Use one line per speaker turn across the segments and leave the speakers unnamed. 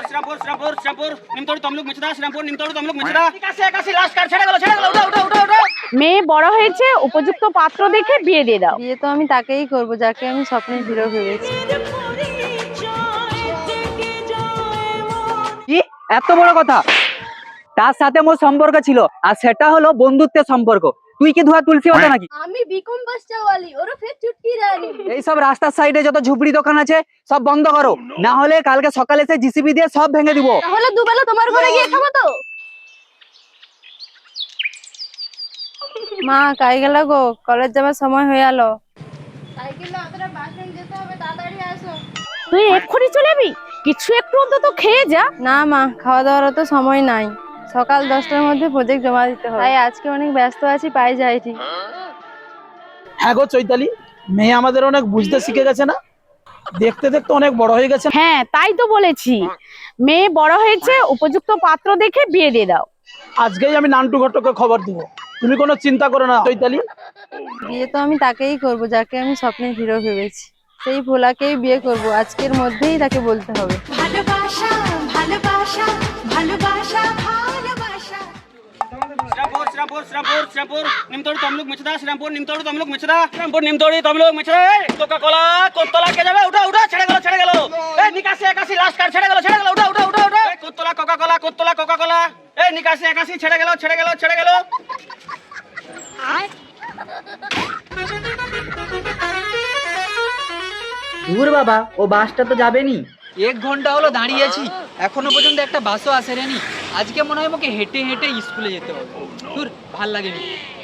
Shrirampur Srirampur Srirampur Nimtouri Tamluk Michda Srirampur Nimtouri Tamluk Michda 81 last কার ছেড়ে গেল উঠো উঠো উঠো উঠো
মেয়ে বড় হয়েছে, উপযুক্ত পাত্র দেখে বিয়ে দিয়ে দাও।
বিয়ে তো আমি তাকেই করব যাকে আমি স্বপ্নের হিরো ভেবেছি।
কি এত বড় কথা? তার সাথে মোর সম্পর্ক ছিল, আর সেটা হলো বন্ধুত্বের সম্পর্ক। তুই কি ধোয়া তুলসী হতো নাকি?
আমি বিকম বাসচাওয়ালি ওরফে চুটকি রানী।
এই সব রাস্তার সাইডে যত ঝুপড়ি দোকান আছে সব বন্ধ করো, না হলে কালকে সকালে এসে জিসিবি দিয়ে সব ভেঙে দিব।
তাহলে দুবেলা তোমার ঘরে গিয়ে খাবো তো। মা কাই গেল গো, কলেজ যাবার সময় হয়ে গেল। সাইকেল অতটা বাস স্ট্যান্ড যেতে হবে, তাড়াতাড়ি আসো।
তুই এক্ষুনি চলে যাবি? কিছু একটু অন্তত খেয়ে যা।
না মা, খাওয়া দাওয়ার তো সময় নাই, সকাল 10টার মধ্যে প্রজেক্ট জমা দিতে হবে, তাই আজকে অনেক ব্যস্ত আছি, পাই যাইছি।
হ্যাঁ গো চৈতালি, মেয়ে আমাদের অনেক বুঝতে শিখে গেছে না? দেখতে দেখতে অনেক বড় হয়ে গেছে।
হ্যাঁ তাই তো বলেছি, মেয়ে বড় হয়েছে, উপযুক্ত পাত্র দেখে বিয়ে দিয়ে দাও।
আজকেই আমি নান্টু ঘটককে খবর দিব, তুমি কোনো চিন্তা করো না চৈতালি।
বিয়ে তো আমি তাকেই করব যাকে আমি স্বপ্নের হিরো ভেবেছি। সেই ভোলাকেই বিয়ে করব, আজকের মধ্যেই তাকে বলতে হবে।
ভালোবাসা ভালোবাসা ভালোবাসা ভালোবাসা
श्रीरामपुर श्रीरामपुर श्रीरामपुर श्रीरामपुर निमतोड़ तमलुक मिचदा श्रीरामपुर निमतोड़ तमलुक मिचदा श्रीरामपुर निमतोड़ी तमलुक मिचदा कोका कोला कोतला के যাবে উঠো উঠো ছেড়ে গেল এই 81 লাস্ট কার ছেড়ে গেল উঠো উঠো উঠো উঠো কোতলা কোকা কোলা এই 81 ছেড়ে গেল
দূর বাবা, ও বাসটা তো যাবেনি। 1 ঘন্টা হলো দাঁড়িয়েছি, এখনো পর্যন্ত একটা বাসও আসেনি। আজকে মনে হয় আমাকে হেঁটে হেঁটে স্কুলে যেতে হবে। দূর, ভাল লাগেনি।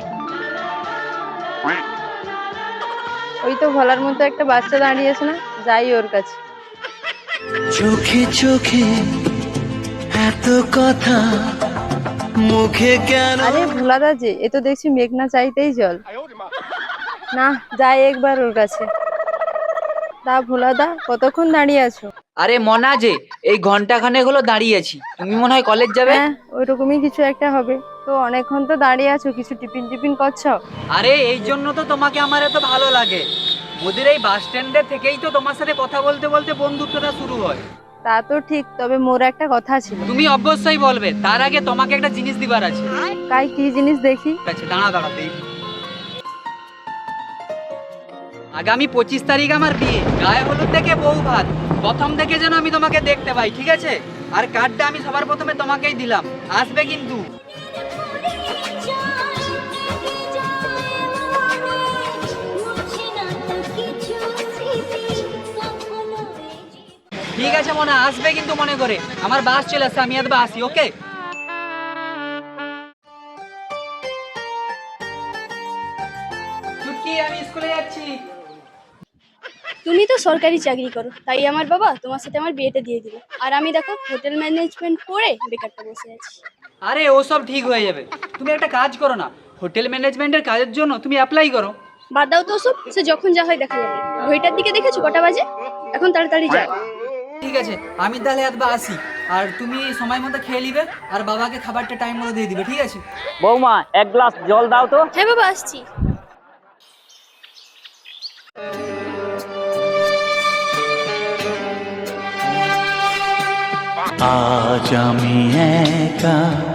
ওই তো ভোলার মতো একটা বাচ্চা দাঁড়িয়েছে না, যাই ওর কাছে।
চোখে চোখে এত কথা, মুখে কেন?
আরে ভোলাদা যে, এ তো দেখছি মেঘনা চাইতেই জল। না, যাই একবার ওর কাছে। তা ভোলাদা, কতক্ষণ দাঁড়িয়ে আছো?
আরে মনা যে, এই ঘন্টাখানেক হলো দাঁড়িয়েছি। তুমি মনে হয় কলেজ যাবে?
হ্যাঁ, ওইরকমই কিছু একটা হবে। তো অনেকক্ষণ তো দাঁড়িয়ে আছো, কিছু টিফিন করছো?
আরে এই জন্য তো তোমাকে আমার এত ভালো লাগে। মোদের এই বাস স্ট্যান্ডে থেকেই তো তোমার সাথে কথা বলতে বলতে বন্ধুত্বটা শুরু হয়।
তা তো ঠিক, তবে মোর একটা কথা ছিল।
তুমি অবশ্যই বলবে, তার আগে তোমাকে একটা জিনিস দিবার আছে।
কাই কি জিনিস দেখি?
আচ্ছা দাঁড়া দেখি। আগামী 25 তারিখ আমার বিয়ে, গায়ে হলুদ থেকে বউ ভাত, প্রথম থেকে যেন আমি তোমাকে দেখতে পাই, ঠিক আছে? আর কার্ডটা আমি সবার প্রথমে তোমাকেই দিলাম, আসবে কিন্তু। ঠিক আছে মনে আসবে কিন্তু, মনে করে। আমার বাস চলে আসছে, আমি একবার আসি, ওকে? চুটকি, আমি স্কুলে যাচ্ছি।
তুমি তো সরকারি চাকরি করো, তাই আমার বাবা তোমার সাথে আমার বিয়েটা দিয়ে দিল। আর আমি দেখো হোটেল ম্যানেজমেন্ট পড়ে বেকারটা বসে আছি।
আরে ও সব ঠিক হয়ে যাবে, তুমি একটা কাজ করো না, হোটেল ম্যানেজমেন্টের কাজের জন্য তুমি অ্যাপ্লাই করো।
বাদ দাও তো সব, সে যখন যা হয় দেখা যাবে। ঘড়িটার দিকে দেখেছো কটা বাজে? এখন তাড়াতাড়ি যাও।
ঠিক আছে, আমি তাহলে একবার আসি। আর তুমি সময় মতো খেয়ে নিবে, আর বাবাকে খাবারটা টাইম মতো দিয়ে দিবে, ঠিক আছে?
বৌমা এক গ্লাস জল দাও তো।
হ্যাঁ বাবা, আসছি।
আজ আমি একা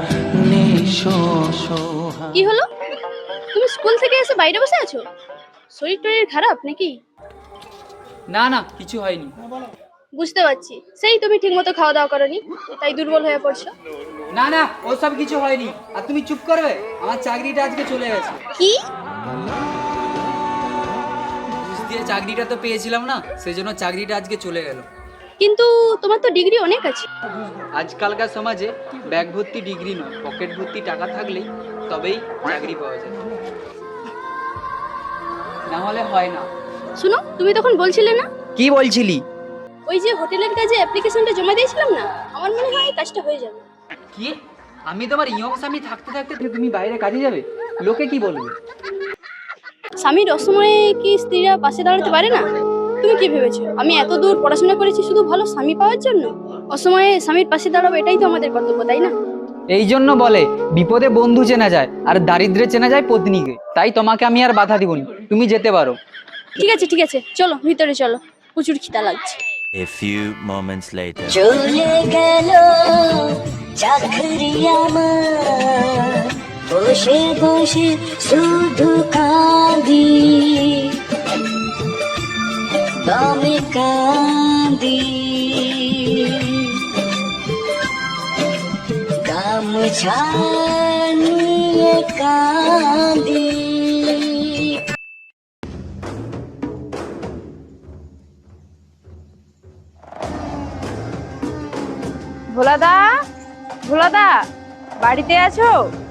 কি হলো, তুমি স্কুল থেকে এসে বাইরে বসে আছো? শরীর টরীর খারাপ নাকি?
না না, কিছু হয়নি।
বুঝতে পারছি, সেই তুমি ঠিক মতো খাওয়া দাওয়া করনি, তাই দুর্বল হয়ে পড়ছো।
না না, ওসব কিছু হয়নি। আর তুমি চুপ করবে, আমার চাকরিটা আজকে চলে গেছে।
কি?
ঘুষ দিয়ে চাকরিটা তো পেয়েছিলাম না, সেজন্য চাকরিটা আজকে চলে গেল।
কিন্তু তোমার তো ডিগ্রি অনেক আছে।
আজকালকার সমাজে ব্যাগ ভর্তি ডিগ্রি নয়, পকেট ভর্তি টাকা থাকলেই তবেই চাকরি পাওয়া যায়, না হলে হয় না।
শুনো, তুমি তখন বলছিলে না?
কি বলছিলি?
ওই যে হোটেলের কাজে অ্যাপ্লিকেশনটা জমা দিয়েছিলাম না, আমার মনে হয় কাজটা হয়ে যাবে।
কি? আমি তোমার ইয়ং স্বামী থাকতে থাকতে তুমি বাইরে কাজে যাবে? লোকে কি বলবে?
স্বামীর অসময়ে কি স্ত্রীরা পাশে দাঁড়াতে পারে না? তুমি কি ভেবেছো আমি এত দূর পড়াশোনা করেছি শুধু ভালো স্বামী পাওয়ার জন্য? অসময়ে স্বামীর পাশে দাঁড়াবো, এটাই তো আমাদের কর্তব্য, তাই না?
এই জন্য বলে বিপদে বন্ধু চেনা যায়, আর দারিদ্রে চেনা যায় পত্নীকে। তাই তোমাকে আমি আর বাধা দিবনি, তুমি যেতে পারো।
ঠিক আছে চলো ভিতরে চলো, প্রচুর খিদা লাগছে।
A few moments later.
চলে গেল চাকরি আমার, বসে বসে শুধু কাঁদি, দমে কাঁদি, গামছা নিয়ে কাঁদি।
ভোলাদা, ভোলাদা, বাড়িতে আছো?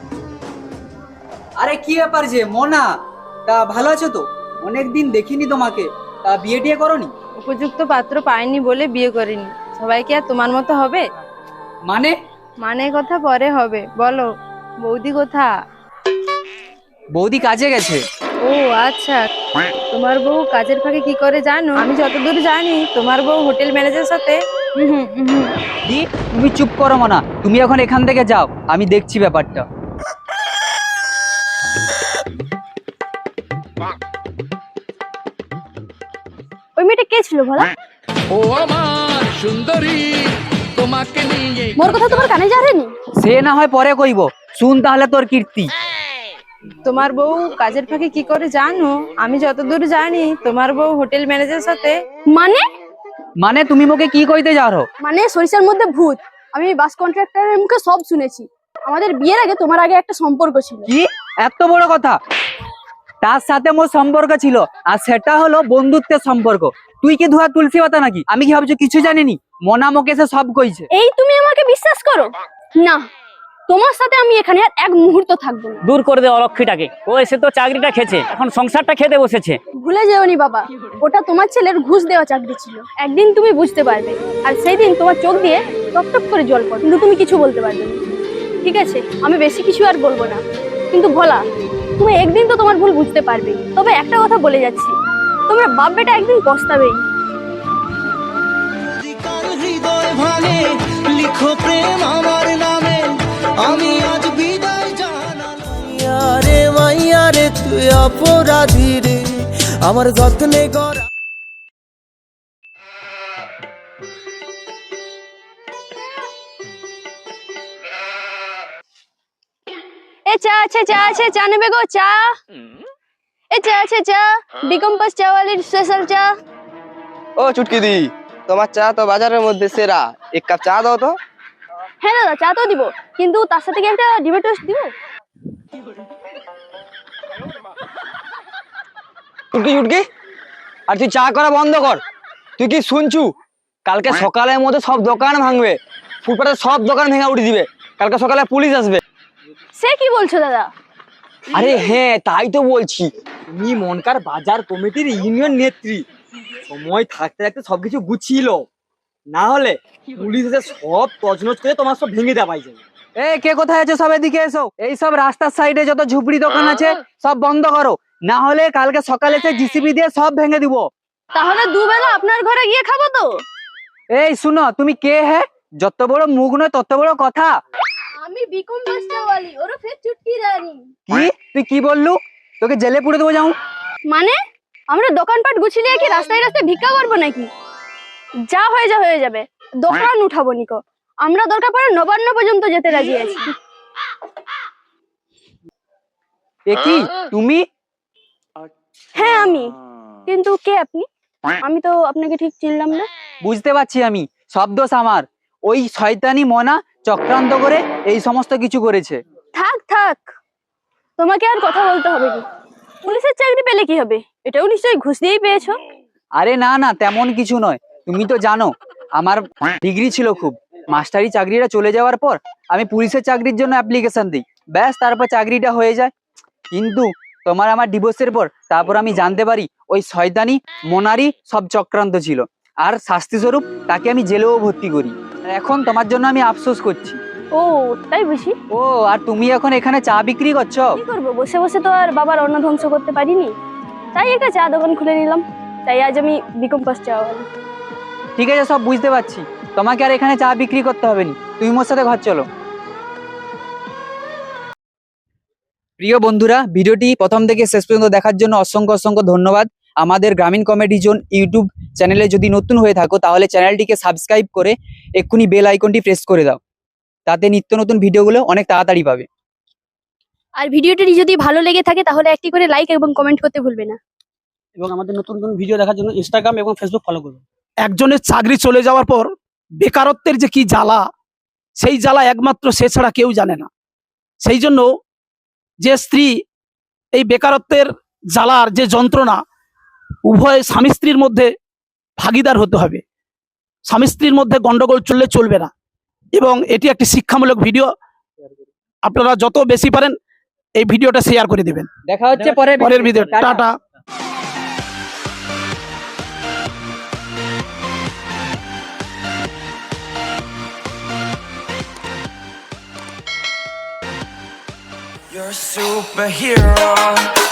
আরে কি ব্যাপার যে মোনা, তা ভালো আছো তো? অনেকদিন দেখিনি তোমাকে। তা বিয়ে টিয়ে করনি?
উপযুক্ত পাত্র পাইনি বলে বিয়ে করিনি। সবাই কি আর তোমার মতো হবে?
মানে?
মানে কথা পরে হবে, বলো বৌদি কোথা?
বৌদি কাজে গেছে।
ও আচ্ছা, তোমার বউ কাজের ফাঁকে কি করে জানো? আমি যতদূর জানি তোমার বউ হোটেল ম্যানেজারের সাথে
দি, তুমি চুপ করো মোনা, তুমি এখন এখান থেকে যাও, আমি দেখছি ব্যাপারটা।
ওই মেয়েটা কে ছিল বলা?
ও আমার সুন্দরী, তোমাকে নিয়ে
মোর কথা তোমার কানে যায়নি?
সে না হয় পরে কইব, শুন তাহলে তোর কীর্তি।
তোমার বউ কাজের ফাঁকে কি করে জানো? আমি যতদূর জানি তোমার বউ হোটেল ম্যানেজারের সাথে।
মানে?
মানে তুমি মোকে কি কইতে যাও?
মানে সরিষার মধ্যে ভূত। আমি বাস কন্ট্রাক্টরের মুখে সব শুনেছি। আমাদের বিয়ের আগে তোমার আগে একটা সম্পর্ক ছিল।
কি এত বড় কথা? তার সাথে মোর সম্পর্ক ছিল, আর সেটা হলো বন্ধুত্বের সম্পর্ক। তুই কি ধোয়া তুলসী পাতা নাকি? আমি কি ভাবছো কিছু জানিনি? মোনা মোকে সে সব কইছে।
এই তুমি আমাকে বিশ্বাস করো না? তোমার সাথে আমি এখানে আর এক মুহূর্ত থাকবো না।
দূর করে দে অলক্ষীটাকে, ও এসে তো চাকরিটা খেয়েছে, এখন সংসারটা খেতে বসেছে।
ভুলে যেওনি বাবা, ওটা তোমার ছেলের ঘুষ দেওয়া চাকরি ছিল। একদিন তুমি বুঝতে পারবে, আর সেই দিন তোমার চোখ দিয়ে টপটপ করে জল পড়ে, কিন্তু তুমি কিছু বলতে পারবে না। ঠিক আছে, আমি বেশি কিছু আর বলবো না, কিন্তু ভোলা, তুমি একদিন তো তোমার ভুল বুঝতে পারবে। তবে একটা কথা বলে যাচ্ছি, তোমরা বাপ বেটা একদিন পস্তাবেই।
হৃদয় ভাঙে, লিখো প্রেম আমার নামে, আমি আজ বিদায় জানালাম। মাইয়ারে মাইয়ারে তুই অপরাধী রে, আমার যত্নে গড়া।
এ চা আছে, চা আছে, চা নেবে গো? চা এ চা আছে, চা বিকম্পাস চাওয়ালির স্পেশাল চা।
ও চুটকি দি, তোমার চা তো বাজারের মধ্যে সেরা, এক কাপ চা দাও তো।
হ্যাঁ দাদা, চা তো দিব, কিন্তু তার সাথে কি একটা ডিমের টোস্ট দিব?
চুটকি চুটকি, আর তুই চা করা বন্ধ কর। তুই কি শুনছু? কালকে সকালের মধ্যে সব দোকান ভাঙবে, ফুটপাতের সব দোকান ভেঙে উঠে দিবে। কালকে সকালে পুলিশ আসবে।
সে কি বলছো দাদা?
আরে হ্যাঁ, তাই তো বলছি। তুমি মনকার বাজার কমিটির ইউনিয়ন নেত্রী, সময় থাকতে থাকতে সবকিছু গুছিয়ে লো, না হলে পুলিশ এসে সব তছনছ করে তোমার সব ভেঙে দেওয়া যাবে।
এ কে কোথায় আছো? সব এদিকে এসো। এই সব রাস্তার সাইডে যত ঝুপড়ি দোকান আছে সব বন্ধ করো, না হলে কালকে সকালে সে জিসিবি দিয়ে সব ভেঙে দিব।
তাহলে দুবেলা আপনার ঘরে গিয়ে খাবো তো?
এই শুনো, তুমি কে? হ্যাঁ, যত বড় মুখ নয় তত বড় কথা।
আমি বিকম্পাস চাওয়ালি, ওরফে চুটকি রানী।
কি তুই কি বললু? তোকে জেলে পুরে দেবো যাও।
মানে আমরা দোকানপাট গুছিয়ে কি রাস্তায় রাস্তায় ভিক্ষা করবো নাকি? যা হয়ে যাবে, দোকান উঠাবো নিকো। আমরা দরকার পড়ে নবান্ন পর্যন্ত যেতে রাজি আছি।
এ কি তুমি?
হ্যাঁ আমি, কিন্তু কে আপনি? আমি তো আপনাকে ঠিক চিনলাম না।
বুঝতে পারছি আমি, সব দোষ আমার। ওই শয়তানি মনা চক্রান্ত করে এই সমস্ত কিছু করেছে।
থাক থাক, তোমাকে আর কথা বলতে হবে কি? পুলিশের চাকরি পেলে কি হবে? এটাও নিশ্চয়ই ঘুষ দিয়েই পেয়েছো।
আরে না না, তেমন কিছু নয়। তুমি তো জানো আমার ডিগ্রি ছিল খুব। মাস্টারি চাকরিটা চলে যাওয়ার পর আমি পুলিশের চাকরির জন্য অ্যাপ্লিকেশন দিই, ব্যাস তারপর চাকরিটা হয়ে যায়। কিন্তু তোমার আমার ডিভোর্সের পর তারপর আমি জানতে পারি ওই শয়তানি মোনারি সব চক্রান্ত ছিল, আর শাস্তি স্বরূপ তাকে আমি জেলেও ভর্তি করি। আর এখন তোমার জন্য আমি আফসোস করছি।
ও তাই বুঝি?
ও, আর তুমি এখন এখানে চা বিক্রি করছো?
কি করবো, বসে বসে তো আর বাবার অন্ন ধ্বংস করতে পারিনি, তাই একটা চা দোকান খুলে নিলাম। তাই আজ আমি বিকম্পাস চাওয়ালি।
ঠিক আছে, সব বুঝতে পারছি। তোমাকে আর এখানে চা বিক্রি করতে হবে না, তুমি মোর সাথে ঘর চলো। প্রিয় বন্ধুরা, ভিডিওটি প্রথম থেকে শেষ পর্যন্ত দেখার জন্য অসংখ্য অসংখ্য ধন্যবাদ। আমাদের গ্রামীণ কমেডি জোন ইউটিউব চ্যানেলে যদি নতুন হয়ে থাকো তাহলে চ্যানেলটিকে সাবস্ক্রাইব করে এক্ষুনি বেল আইকনটি প্রেস করে দাও, তাতে নিত্য নতুন ভিডিওগুলো অনেক তাড়াতাড়ি পাবে।
আর ভিডিওটি যদি ভালো লেগে থাকে তাহলে একটি করে লাইক এবং কমেন্ট করতে ভুলবে না।
এবং আমাদের নতুন নতুন ভিডিও দেখার জন্য ইনস্টাগ্রাম এবং ফেসবুক ফলো করুন।
একজনের চাকরি চলে যাওয়ার পর বেকারত্বের যে কি জ্বালা, সেই জ্বালা একমাত্র সে ছাড়া কেউ জানে না। সেই জন্য যে স্ত্রী এই বেকারত্বের জ্বালার যে যন্ত্রণা, উভয় স্বামী স্ত্রীর মধ্যে ভাগীদার হতে হবে। স্বামী স্ত্রীর মধ্যে গন্ডগোল চলবে না। এবং এটি একটি শিক্ষামূলক ভিডিও, আপনারা যত বেশি পারেন এই ভিডিওটা শেয়ার করে দেবেন।
দেখা হচ্ছে
পরের video. Tata.
You're a superhero.